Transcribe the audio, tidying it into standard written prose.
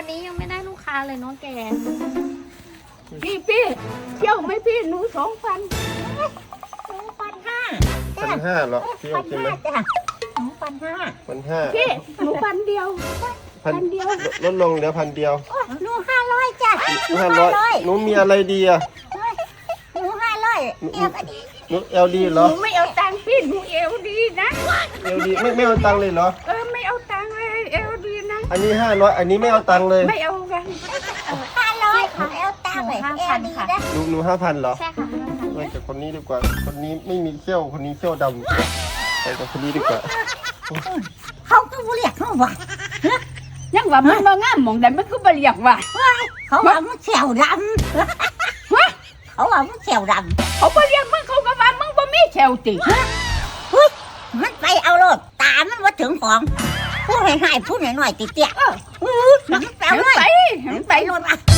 วันนี้ยังไม่ได้ลูกค้าเลยเนาะแกพี่เที่ยวไหมพี่หนู2,000 1,500เหรอพี่โอเคไหมจ้ะ1,500 พี่หนู1,000 เดียวพันลดลงเหลือ1,000 เดียวหนู500จ้ะ 500หนูมีอะไรดีอ่ะหนู500เอวก็ดีหนูเอลดีเหรหอนูไม่เอาตังค์พี่หนูเอวดีนะเอลดีไม่เอาตังค์เลยเหรอไม่เอาตังค์เลยเอวดีนะอันนี้500อันนี้ไม่เอาตังค์เลยไม่เอากัน 500ค่ะเอวตาไปเอวดีนะหนู5,000เหรอใช่ค่ะไปกับคนนี้ดีกว่า คนนี้ไม่มีเขี้ยวคนนี้เขี้ยวดำไปกับคนนี้ดีกว่าเขาก็บ่เรียกเขาว่ายังว่ามันบ่งามหม่องใดมันก็บ่เรียกว่าเขาว่ามันแขวดำเขาว่ามันแขวดำเขาบ่เรียกมึงเขาก็ว่ามึงบ่มีแขวติมันไปเอาโลดตามันว่าถึงของพูดให้พูดหน่อยๆติเตี้ยมันไปเอาเลยไปมันไปไปโลดว่ะ